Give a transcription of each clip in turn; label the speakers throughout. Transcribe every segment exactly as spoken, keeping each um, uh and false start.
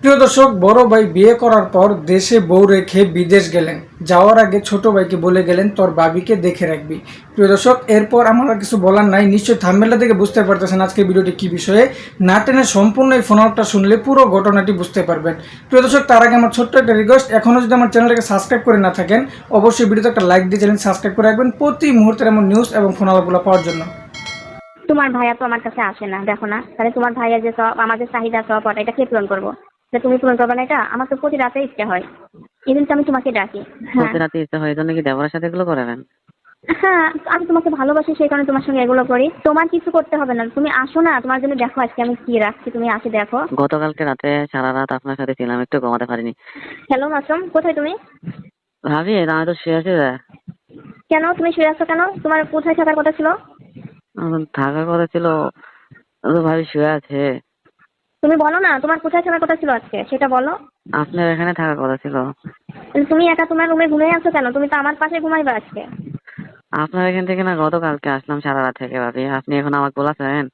Speaker 1: প্রিয় দর্শক, বড় ভাই বিয়ে করার পর দেশে বউ রেখে বিদেশ গেলেন। যাওয়ার আগে ছোট ভাইকে বলে গেলেন তোর ভাবিকে দেখে রাখবি। প্রিয় দর্শক, এরপর আমার আর কিছু বলার নাই। নিশ্চয়ই থাম্বনেল থেকে বুঝতে পারতেছেন আজকে ভিডিওটি কি বিষয়ে। না টেনে সম্পূর্ণ এই ফোনটা শুনলে পুরো ঘটনাটি বুঝতে পারবেন। প্রিয় দর্শক, তার আগে আমার ছোট্ট একটা রিকোয়েস্ট, এখনও যদি আমার চ্যানেলটাকে সাবস্ক্রাইব করে না থাকেন অবশ্যই ভিডিওতে একটা লাইক দিয়ে চ্যানেল সাবস্ক্রাইব করে রাখবেন প্রতি মুহূর্তের এমন নিউজ এবং ফোন আলাপগুলো পাওয়ার জন্য।
Speaker 2: তোমার ভাইয়া তো আমার কাছে আসে না, দেখো না। তাহলে তোমার ভাইয়া যে সব আমাদের চাহিদা সব ওটা এটা কে পূরণ করবো? যে তুমি পূরণ করবে না এটা? আমার তো প্রতি রাতে ইচ্ছে হয়, এই জন্য তো আমি তোমাকে ডাকি। হ্যাঁ
Speaker 3: প্রতি রাতে ইচ্ছা হয়, এই জন্য কি দেবরের সাথে এগুলো করাবেন?
Speaker 2: হ্যাঁ, আমি তোমাকে ভালোবাসি সেই কারণে তোমার সঙ্গে এগুলো করি। তোমার কিছু করতে হবে না, তুমি আসো না, তোমার জন্য দেখো আজকে আমি কি রাখছি, তুমি আসে দেখো।
Speaker 3: গতকালকে রাতে সারা রাত আপনার সাথে ছিলাম, একটু ঘুমাতে পারিনি।
Speaker 2: হ্যালো মাসুম, কোথায় তুমি?
Speaker 3: ভাবি আমি তো শুয়ে আছি।
Speaker 2: কেন তুমি শুয়ে আছো কেন? তোমার কোথায় থাকার কথা ছিল?
Speaker 3: এখন থাকার কথা ছিল, তো ভাবি শুয়ে আছে।
Speaker 2: তুমি বলো না তোমার কোথায় থাকার কথা ছিল আজকে, সেটা বলো।
Speaker 3: আপনার এখানে থাকার কথা ছিল।
Speaker 2: তুমি একা তোমার রুমে ঘুমিয়ে আছো কেন? তুমি তো আমার পাশে ঘুমাইবে আজকে।
Speaker 3: আপনার এখান থেকে না গতকালকে আসলাম সারা রাত থেকে। ভাবি আপনি এখন আমাকে বলাছেন?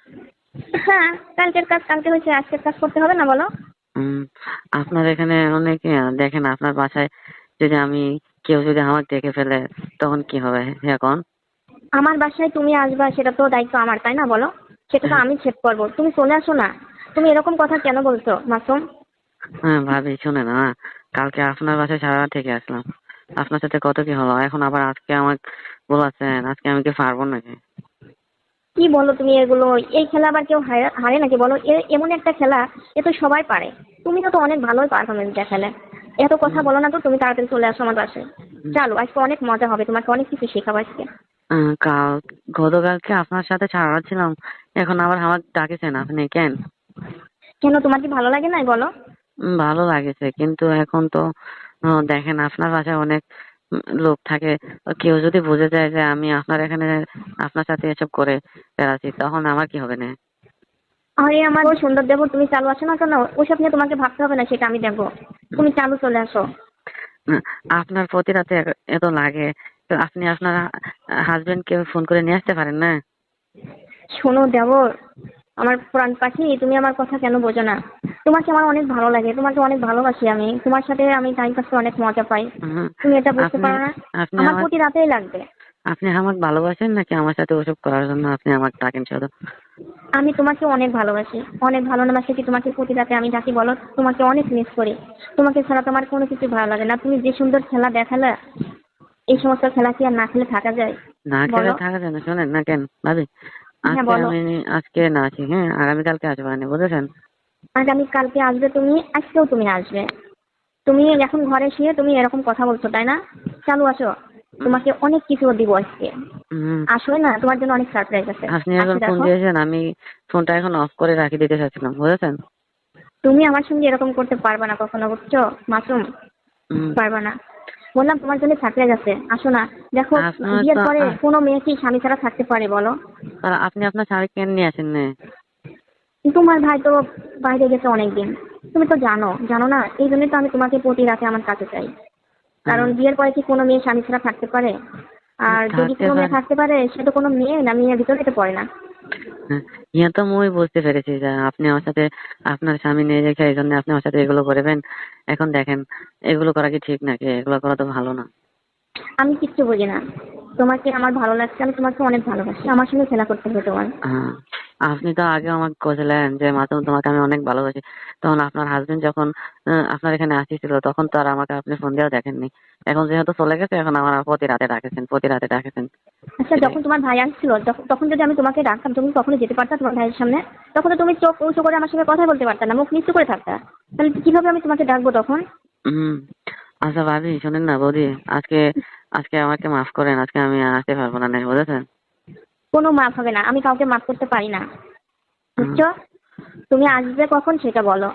Speaker 2: হ্যাঁ, কালকের কাজ কালকে হয়েছে, আজকের কাজ করতে হবে না বলো?
Speaker 3: হম আপনার এখানে অনেকে দেখেন, আপনার বাসায় যদি আমি কেউ যদি আমাকে দেখে ফেলে তখন কি হবে এখন?
Speaker 2: আমার বাসায় তুমি আসবা সেটা তো দায়িত্ব আমার, তাই না বলো? সেটা তো আমি সেট করবো, তুমি চলে আসো না। তুমি এরকম কথা কেন বলছো মাসুম?
Speaker 3: হ্যাঁ ভাবি শুনেন না, কালকে আপনার বাসায় সারা রাত থেকে আসলাম, আপনার সাথে কত কি হলো, এখন আবার আজকে আমাকে বলাচ্ছেন, আজকে আমি কি পারবো নাকি?
Speaker 2: কি বলো তুমি এগুলো? এই খেলা আবার কেউ হারে হারে নাকি বলো? এ এমন একটা খেলা, এ তো সবাই পারে। তুমি তো অনেক ভালোই পারফরমেন্স দেখালে। এত কথা বলো না তো, তুমি তাড়াতাড়ি চলে আসো আমার বাসায়। চলো, আজকে অনেক মজা হবে, তোমাকে অনেক কিছু শেখাবো আজকে।
Speaker 3: আহ, কাল গতকালকে আপনার সাথে সারা রাত ছিলাম, এখন আবার আমাকে ডাকেছেন আপনি কেন?
Speaker 2: কেন, তোমার কি ভালো লাগে নাই বলো?
Speaker 3: উম, ভালো লাগেছে, কিন্তু এখন তো আহ, দেখেন আপনার বাসায় অনেক উম, লোক থাকে। কেউ যদি বুঝে যায় যে আমি আপনার এখানে আপনার সাথে এসব করে বেড়াচ্ছি, তখন আমার কি হবে না?
Speaker 2: আরে আমার ওই সুন্দর দেবর, তুমি চালু আসো না কেন? ওইসব নিয়ে তোমাকে ভাবতে হবে না, সেটা আমি দেখবো। তুমি চালু চলে আসো।
Speaker 3: না, আপনার প্রতি রাতে এ- এত লাগে, তো আপনি আপনার হাজবেন্ড কে ফোন করে নিয়ে আসতে পারেন না?
Speaker 2: শোনো দেবর, আমার প্রাণ পাখি, তুমি আমার কথা কেন বোঝো না? তোমাকে আমার অনেক ভালো লাগে, তোমাকে অনেক ভালোবাসি আমি, তোমার সাথে আমি টাইম পাস করে অনেক মজা পাই।
Speaker 3: হুম,
Speaker 2: তুমি এটা বুঝতে
Speaker 3: আপনি
Speaker 2: পারো না?
Speaker 3: আপনি
Speaker 2: আমার
Speaker 3: আমার
Speaker 2: প্রতি রাতেই লাগবে।
Speaker 3: আপনি আমাকে ভালোবাসেন নাকি আমার সাথে ওসব করার জন্য আপনি আমাকে ডাকেন শুধু?
Speaker 2: আমি তোমাকে অনেক ভালোবাসি, অনেক ভালোবাসি কি তোমাকে প্রতি রাতে আমি ডাকি বলো? তোমাকে অনেক মিস করি। তোমাকে ছাড়া তোমার কোনো কিছু ভালো লাগে না। তুমি যে সুন্দর খেলা দেখালে, এই সমস্ত খেলা কি আর না খেলে থাকা যায়
Speaker 3: না খেলে
Speaker 2: বলো?
Speaker 3: থাকা যায় না? শোনেন না কেন ভাবি,
Speaker 2: হ্যাঁ
Speaker 3: আজকে
Speaker 2: বলো।
Speaker 3: আমি আজকে না আছি, হ্যাঁ আগামীকালকে আসবো না, বুঝেছেন?
Speaker 2: আগামী কালকে আসবে তুমি, আজকেও তুমি আসবে। তুমি এখন ঘরে শুয়ে তুমি এরকম কথা বলছো, তাই না? চালু আসো, তোমাকে অনেক কিছু দিব আজকে।
Speaker 3: হম
Speaker 2: আসলে না, তোমার জন্য অনেক সারপ্রাইজ আছে।
Speaker 3: আপনি এখন
Speaker 2: আজকে
Speaker 3: ফোন
Speaker 2: দেখো।
Speaker 3: দিয়েছেন, আমি ফোনটা এখন অফ করে রাখি দিতে চাচ্ছিলাম, বুঝেছেন?
Speaker 2: তুমি আমার সঙ্গে এরকম করতে পারবে না কখনো, বুঝছো মাসুম?
Speaker 3: হম
Speaker 2: পারবে না। বললাম তোমার জন্য সারপ্রাইজ আছে, আসো না। দেখো,
Speaker 3: আপনার
Speaker 2: বিয়ের
Speaker 3: তো
Speaker 2: পরে
Speaker 3: আহ,
Speaker 2: কোনো মেয়ে কি স্বামী ছাড়া থাকতে পারে বলো?
Speaker 3: আর আপনি আপনার শাড়ি কেন নিয়ে আসেন না?
Speaker 2: তোমার ভাই তো বাইরে গেছে অনেকদিন, তুমি তো জানো জানো না, এই জন্যই তো আমি তোমাকে প্রতি রাতে আমার কাছে চাই। কারণ
Speaker 3: হম
Speaker 2: বিয়ের পরে কি কোনো মেয়ে স্বামী ছাড়া থাকতে পারে? আর যদি
Speaker 3: থাকতে
Speaker 2: কোনো মেয়ে
Speaker 3: পারে।
Speaker 2: থাকতে পারে, সে তো কোনো মেয়ে না, মেয়ের ভিতরে তো পড়ে না।
Speaker 3: হ্যাঁ, ইয়া তো মুই বুঝতে পেরেছি যে আপনি আমার সাথে আপনার স্বামী নিয়ে রেখে এই জন্য আপনি আমার সাথে এগুলো করবেন। এখন দেখেন, এগুলো করা কি ঠিক নাকি? এগুলো করা তো ভালো না।
Speaker 2: আমি কিচ্ছু বুঝি না। তোমাকে আমার ভালো লাগছে, আমি তোমাকে অনেক ভালোবাসি, আমার সঙ্গে খেলা করতে হবে তোমার।
Speaker 3: হ্যাঁ, আপনি তো আগে আমাকে বলছিলেন যে মাসুম তোমাকে আমি অনেক ভালোবাসি, তখন আপনার হাজবেন্ড যখন আহ, আপনার এখানে আসিছিল তখন তো আর আমাকে আপনি ফোন দিয়েও দেখেননি। এখন যেহেতু চলে গেছে, এখন আমার প্রতি রাতে ডাকেছেন, প্রতি রাতে ডাকেছেন।
Speaker 2: আচ্ছা,
Speaker 3: এটাই।
Speaker 2: যখন তোমার ভাই আসছিল তখ- তখন যদি আমি তোমাকে ডাকতাম, তুমি কখনো যেতে পারতা তোমার ভাইয়ের সামনে? তখন তো তুমি চোখ উঁচু করে আমার সঙ্গে কথা বলতে পারতা না, মুখ নিচু করে থাকতা। তাহলে কিভাবে আমি তোমাকে ডাকবো তখন?
Speaker 3: হম আচ্ছা ভাবি শোনেন না, বৌদি, আজকে আজকে আমাকে মাফ করেন, আজকে আমি আসতে পারবো না, নাই বুঝেছেন?
Speaker 2: কোনো মাফ হবে না, আমি কাউকে মাফ করতে পারি না,
Speaker 3: হুম,
Speaker 2: বুঝছো? তুমি আসবে কখন সেটা বলো।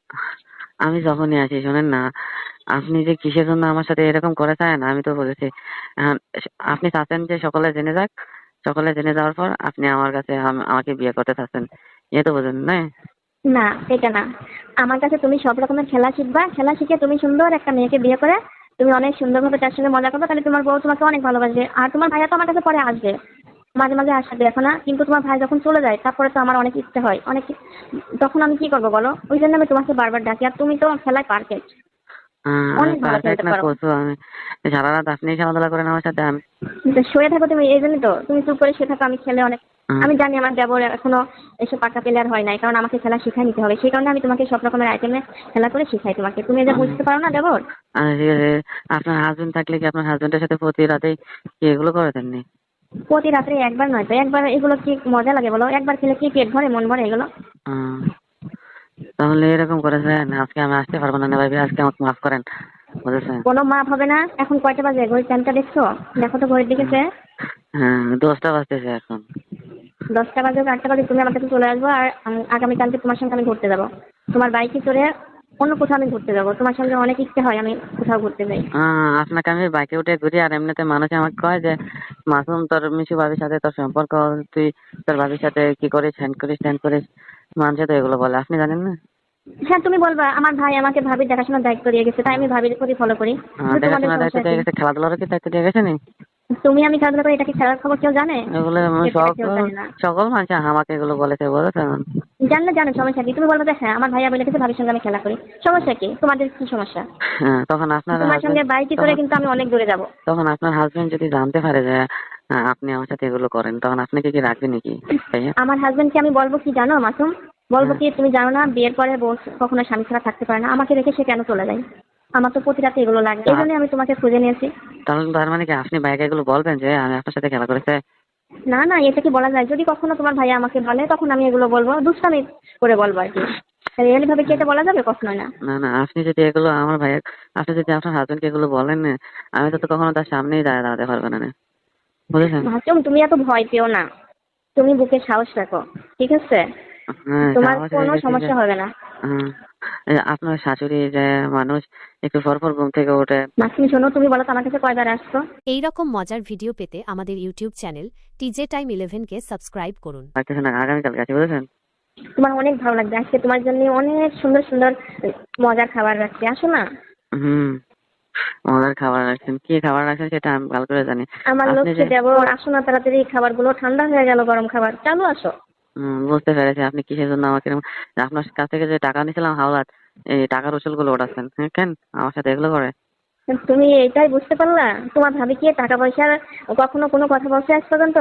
Speaker 3: আমি যখনই আসি শোনেন না, আপনি যে কিসের জন্য আমার সাথে এরকম করে চান আমি তো বুঝেছি। এখন আপনি চাচ্ছেন যে সকলে জেনে যাক, সকলে জেনে যাওয়ার পর আপনি আমার কাছে আম- আমাকে বিয়ে করতে চাচ্ছেন, এ তো বুঝেন না?
Speaker 2: না, এটা না। আমার কাছে তুমি সব রকমের খেলা শিখবা, খেলা শিখে তুমি সুন্দর একটা মেয়েকে বিয়ে করে তুমি অনেক সুন্দরভাবে তার সঙ্গে মজা করবে, তাহলে তোমার বউ তোমাকে অনেক ভালোবাসবে, আর তোমার ভাইয়া তো আমার কাছে পরে আসবে। মাঝে মাঝে আসা দেখো না, কিন্তু তোমার ভাই যখন চলে যায় তারপরে তো আমার অনেক ইচ্ছে হয়, অনেক, তখন আমি কি করবো বলো? ওই জন্য আমি তোমাকে বারবার ডাকি, আর তুমি তো খেলায় পারফেক্ট,
Speaker 3: আহ, আমি
Speaker 2: অনেক ভালো
Speaker 3: পারফেক্ট
Speaker 2: খেলতে
Speaker 3: না
Speaker 2: পারো।
Speaker 3: কোচও, আমি সারা রাত আপনি খেলাধুলা করেন আমার সাথে। আমি
Speaker 2: তো শুয়ে থাকো তুমি, এই জন্যই তো তুমি চুপ করে শুয়ে থাকো, আমি খেলে অনেক,
Speaker 3: আহ,
Speaker 2: আমি জানি আমার দেবর এখনো এসব পাকা প্লেয়ার হয় নাই, কারণ আমাকে খেলা শিখাই নিতে হবে, সেই কারণে আমি তোমাকে সব রকমের আইটেমে খেলা করে শিখাই তোমাকে, তুমি এটা
Speaker 3: আহ,
Speaker 2: বুঝতে পারো না দেবর?
Speaker 3: আহ, ঠিক আছে। আপনার হাজবেন্ড থাকলে কি আপনার হাজবেন্ডের সাথে প্রতি রাতেই কি এগুলো করে দেননি?
Speaker 2: প্রতি রাত্রে একবার নয় তো একবার, এগুলো কি মজা লাগে বলো? একবার খেলে কি পেট ভরে, মন ভরে এগুলো?
Speaker 3: আহ, তাহলে এরকম করেছেন, আজকে আমি আসতে পারবো না না ভাবি, আজকে আমাকে মাফ করেন, বুঝেছেন?
Speaker 2: কোনো মাপ হবে না। এখন কয়টা বাজে? ঘড়ির টাইমটা দেখছো? দেখো তো ঘড়ির দিকে চেয়ে।
Speaker 3: হ্যাঁ, দশটা বাজতেছে এখন।
Speaker 2: দশটা বাজে হোক আটটা বাজে, তুমি আমার কাছে চলে আসবো, আর আম- আগামীকালকে তোমার সঙ্গে আমি ঘুরতে যাবো, তোমার বাইকে চড়ে অন্য কোথাও আমি ঘুরতে যাবো, তোমার সঙ্গে অনেক ইচ্ছে হয় আমি কোথাও ঘুরতে যাই।
Speaker 3: আহ, আপনাকে আমি বাইকে উঠে ঘুরি, আর এমনিতে মানুষ আমাকে কয় যে মাসুম তোর মিশু ভাবির সাথে তোর সম্পর্ক, তুই তোর ভাবির সাথে কি করিস, হ্যান্ড করিস ত্যান করিস, মানুষে তো এগুলো বলে, আপনি জানেন না?
Speaker 2: হ্যাঁ, তুমি বলবা আমার ভাই আমাকে ভাবির দেখাশোনার দায়িত্ব দিয়ে গেছে, তাই আমি ভাবির প্রতি ফলো করি,
Speaker 3: আহ,
Speaker 2: কিন্তু তোমাদের
Speaker 3: দেখাশোনার দায়িত্ব
Speaker 2: সমস্যা কি?
Speaker 3: দিয়ে গেছে, খেলাধুলারও কি দায়িত্ব দিয়ে গেছে নি?
Speaker 2: তুমি আমি খেলাধুলা করি, এটা কি খেলার খবর কেউ জানে?
Speaker 3: এগুলো আমি
Speaker 2: সেটা কেউ
Speaker 3: সকল
Speaker 2: জানে না।
Speaker 3: সকল মানুষ আমাকে এগুলো বলেছে, বুঝেছেন?
Speaker 2: জানলে জানো, সমস্যা কি? তুমি বলবো যে হ্যাঁ আমার ভাইয়া বলে গেছে ভাবির সঙ্গে আমি খেলা করি, সমস্যা কি? তোমাদের কি সমস্যা?
Speaker 3: হ্যাঁ, তখন আপনার
Speaker 2: তোমার সঙ্গে
Speaker 3: হাজবেন্ড,
Speaker 2: বাইকে চড়ে
Speaker 3: তখন
Speaker 2: কিন্তু আমি অনেক দূরে যাবো।
Speaker 3: তখন আপনার হাজবেন্ড যদি জানতে পারে যে আহ, আপনি আমার সাথে এগুলো করেন, তখন আপনাকে কি রাখবে নাকি ভাইয়া?
Speaker 2: আমার হাজবেন্ডকে আমি বলবো কি জানো মাসুম, বলবো
Speaker 3: হ্যাঁ।
Speaker 2: কি তুমি জানো না বিয়ের পরে বউ কখনো স্বামী ছাড়া থাকতে পারে না, আমাকে রেখে সে কেন চলে যায়? আমার তো প্রতি রাতে এগুলো লাগে, এই
Speaker 3: তা-
Speaker 2: জন্যই আমি তোমাকে খুঁজে নিয়েছি।
Speaker 3: তাহলে তার মানে কি আপনি ভাইকে এগুলো বলবেন যে আমি আপনার সাথে খেলা করেছে?
Speaker 2: না না, এটা কি বলা যায়? যদি কখনো তোমার ভাইয়া আমাকে বলে তখন আমি এগুলো বলবো, দুষ্টামি করে বলবো আর কি। রিয়েলি ভাবে কি এটা বলা যাবে? কখনোই না।
Speaker 3: না না, আপনি যদি এগুলো আমার ভাইয়ের, আপনি যদি আপনার হাজবেন্ডকে এগুলো বলেন না, আমি তো তো কখনো তার সামনেই দাঁড়িয়ে দাঁড়াতে পারবো না না, বুঝেছেন?
Speaker 2: মাসুম তুমি এত ভয় পেও না, তুমি বুকে সাহস রাখো, ঠিক আছে?
Speaker 3: হ্যাঁ,
Speaker 2: তোমার
Speaker 3: সাহস
Speaker 2: কোনো
Speaker 3: রেখেছি যে
Speaker 2: সমস্যা হবে না।
Speaker 3: হ্যাঁ, এই আপনার শাশুড়ি যে মানুষ একটু পর পর ঘুম থেকে ওঠে।
Speaker 2: মাসুম শোনো, তুমি বলো তো আমার কাছে কয়বার আসছো?
Speaker 4: এই রকম মজার ভিডিও পেতে আমাদের ইউটিউব চ্যানেল টিজে টাইম ইলেভেনকে সাবস্ক্রাইব করুন।
Speaker 3: লাগতেছে না, আগামীকাল গেছে, বুঝেছেন?
Speaker 2: তোমার অনেক ভালো লাগবে, আজকে তোমার জন্য অনেক সুন্দর সুন্দর মজার খাবার রাখছি, আসো না।
Speaker 3: হুম, মজার খাবার রাখছেন, কি খাবার রাখছেন সেটা আমি ভালো করে জানি।
Speaker 2: আমার
Speaker 3: আপনি
Speaker 2: লক্ষ্যে
Speaker 3: যে
Speaker 2: দেবো, আসো না তাড়াতাড়ি, খাবারগুলো ঠান্ডা হয়ে গেল, গরম খাবার, চালু আসো।
Speaker 3: হুম, বুঝতে পেরেছি আপনি কিসের জন্য আমাকে এরকম- আপনার কাছ থেকে যে টাকা নিয়েছিলাম হাওলাত, এই টাকার উসুল গুলো ওঠাচ্ছেন, হ্যাঁ, কেন আমার সাথে এগুলো করে?
Speaker 2: তুমি এইটাই বুঝতে পারলা? তোমার ভাবি কি টাকা পয়সার কখনো কোনো কথা বলছে আজ পর্যন্ত?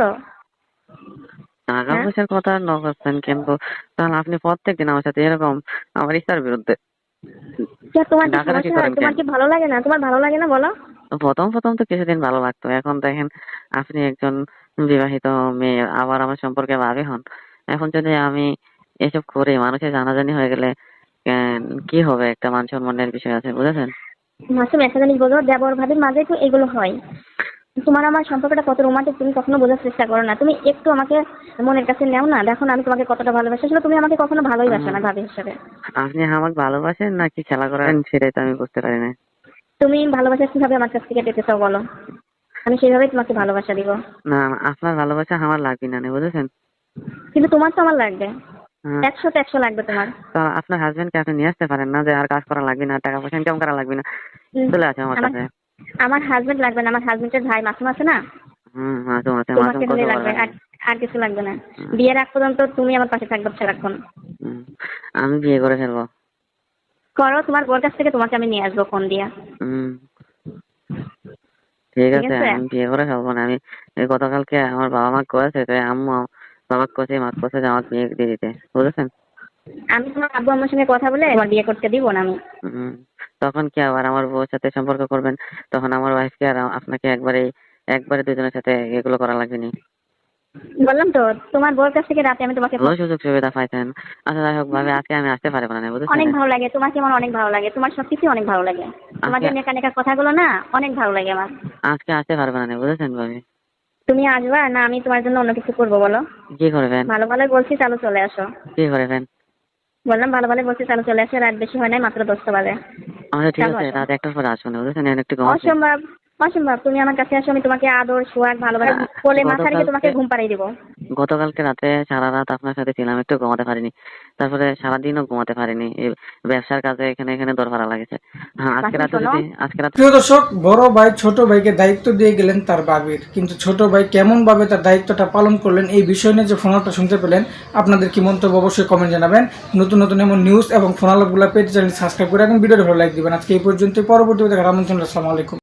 Speaker 3: টাকা
Speaker 2: হ্যাঁ,
Speaker 3: পয়সার কথা ন করছেন, কিন্তু তাহলে আপনি প্রত্যেকদিন আমার সাথে এরকম আমার ইচ্ছার বিরুদ্ধে
Speaker 2: কে, তোমার কি
Speaker 3: ডাকাডাকি
Speaker 2: সমস্যা?
Speaker 3: করেন
Speaker 2: তোমার
Speaker 3: কেন?
Speaker 2: কি ভালো লাগে না? তোমার ভালো লাগে না বলো?
Speaker 3: তো প্রথম প্রথম তো কিছুদিন ভালো লাগতো, এখন দেখেন আপনি একজন বিবাহিত মেয়ে, আবার আমার সম্পর্কে ভাবি হন, এখন যদি আমি এসব করি মানুষের জানাজানি হয়ে গেলে আহ, কি হবে? একটা মান সম্মানের বিষয় আছে, বুঝেছেন?
Speaker 2: মাসুম একটা জিনিস বলো, দেবর ভাবির মাঝে তো এগুলো হয়। তোমার আমার সম্পর্কটা কত রোমান্টিক তুমি কখনো বোঝার চেষ্টা করো না, তুমি একটু আমাকে মনের কাছে নেও না, দেখো না আমি তোমাকে কতটা ভালোবাসি, আসলে তুমি আমাকে কখনো ভালোই বাসো
Speaker 3: উম,
Speaker 2: না ভাবি হিসেবে।
Speaker 3: আপনি আমাকে ভালোবাসেন নাকি খেলা করেন সেটাই তো আমি বুঝতে পারি না।
Speaker 2: তুমি ভালোবাসা কিভাবে আমার কাছ থেকে পেতে চাও বলো, আমি সেভাবেই তোমাকে ভালোবাসা দিব।
Speaker 3: না, আপনার ভালোবাসা আমার লাগবে না, বুঝেছেন?
Speaker 2: কিন্তু তোমার তো আমার লাগবে,
Speaker 3: হ্যাঁ,
Speaker 2: একশো তো একশো লাগবে তোমার।
Speaker 3: তো আপনার হাজবেন্ডকে আপনি নিয়ে আসতে পারেন না যে আর কাজ করা লাগবে না, টাকা পয়সা ইনকাম করা লাগবে না,
Speaker 2: উম,
Speaker 3: চলে আসে আমার
Speaker 2: আমার
Speaker 3: কাছে।
Speaker 2: আমার হাজবেন্ড লাগবে না, আমার হাজবেন্ডের ভাই মাসুম আছে না,
Speaker 3: হুম, মাসুম আছে, মাসুম
Speaker 2: তোমাকে
Speaker 3: কত
Speaker 2: হলে
Speaker 3: ভালো
Speaker 2: লাগবে,
Speaker 3: লাগে।
Speaker 2: আর আর কিছু লাগবে না।
Speaker 3: হুম,
Speaker 2: বিয়ের আগ পর্যন্ত তুমি আমার পাশে থাকবে সারাক্ষণ।
Speaker 3: হুম, আমি বিয়ে করে ফেলবো।
Speaker 2: করো, তোমার বোর কাছ থেকে তোমাকে আমি নিয়ে আসবো ফোন দিয়া।
Speaker 3: হুম, ঠিক
Speaker 2: ঠিক
Speaker 3: আছে,
Speaker 2: আছে,
Speaker 3: আমি বিয়ে করে ফেলবো না। আমি এই গতকালকে আমার বাবা মা কয়েছে, তো আম্মু বাবা কষে মা কষে যে আমার বিয়ে দিয়ে দিতে, বুঝেছেন?
Speaker 2: আমি তোমার আব্বু আম্মুর সঙ্গে কথা বলে তোমার বিয়ে করতে দিব না আমি।
Speaker 3: হুম, তখন কি আবার আমার বউর সাথে সম্পর্ক করবেন? তখন আমার ওয়াইফকে আর আপনাকে একবারে একবারে দুজনের সাথে এগুলো করা লাগবে নি?
Speaker 2: বললাম তো, তোমার বোর কাছ থেকে রাতে আমি তোমাকে
Speaker 3: ভালো
Speaker 2: ফোন-
Speaker 3: সুযোগ সুবিধা পাইছেন। আচ্ছা, যাই হোক ভাবে আজকে আমি আসতে পারবো না, বুঝেছেন?
Speaker 2: অনেক ভালো লাগে, তোমাকে আমার অনেক ভালো লাগে, তোমার সবকিছু অনেক ভালো লাগে, তোমার
Speaker 3: আজকে
Speaker 2: যে নেকা নেকা কথাগুলো না অনেক ভালো লাগে আমার।
Speaker 3: আজকে আসতে পারবো না, বুঝেছেন ভাবি?
Speaker 2: তুমি আসবা না আমি তোমার জন্য অন্য কিছু করবো বলো?
Speaker 3: কি করবেন?
Speaker 2: ভালো ভালো বলছি, চালু চলে আসো।
Speaker 3: কি করবেন?
Speaker 2: বললাম ভালো ভালো বলছি, চালু চলে আসো, রাত বেশি হয় নাই, মাত্র দশটা বাজে।
Speaker 3: আচ্ছা ঠিক
Speaker 2: চালু
Speaker 3: আছে,
Speaker 2: আসো।
Speaker 3: রাত একটার পরে আসবো না, বুঝেছেন? এখন একটু ঘুমাচ্ছি।
Speaker 2: অসম্ভব, অসম্ভব, তুমি আমার কাছে আসো, আমি তোমাকে আদর সোয়াগ ভালোবাসা কোলে মাথা রেখে তোমাকে
Speaker 3: গতকালকে
Speaker 2: ঘুম পাড়িয়ে দিব।
Speaker 3: গতকালকে রাতে সারা রাত আপনার সাথে ছিলাম, একটু ঘুমাতে পারিনি। তারপরে সারাদিনও ঘুমাতে পারিনি, এই ব্যবসার কাজে এখানে এখানে দরকার লাগেছে। হ্যাঁ, আজকে
Speaker 2: রাকিব
Speaker 3: রাতে
Speaker 2: শোনো,
Speaker 3: যদি আজকে রাতে
Speaker 1: প্রিয় দর্শক, বড় ভাই ছোট ভাইকে দায়িত্ব দিয়ে গেলেন তার বাবির, কিন্তু ছোট ভাই কেমন ভাবে তার দায়িত্বটা পালন করলেন এই বিষয় নিয়ে যে ফোনালটা শুনতে পেলেন, আপনাদের কি মন্তব্য অবশ্যই কমেন্ট জানাবেন। নতুন নতুন এমন নিউজ এবং ফোনালগুলো পেতে চ্যানেল সাবস্ক্রাইব করে এবং ভিডিওটা ভালো লাইক দিবেন। আজকে এই পর্যন্ত, পরবর্তী দেখার আমন্ত্রণ। আসসালামু আলাইকুম।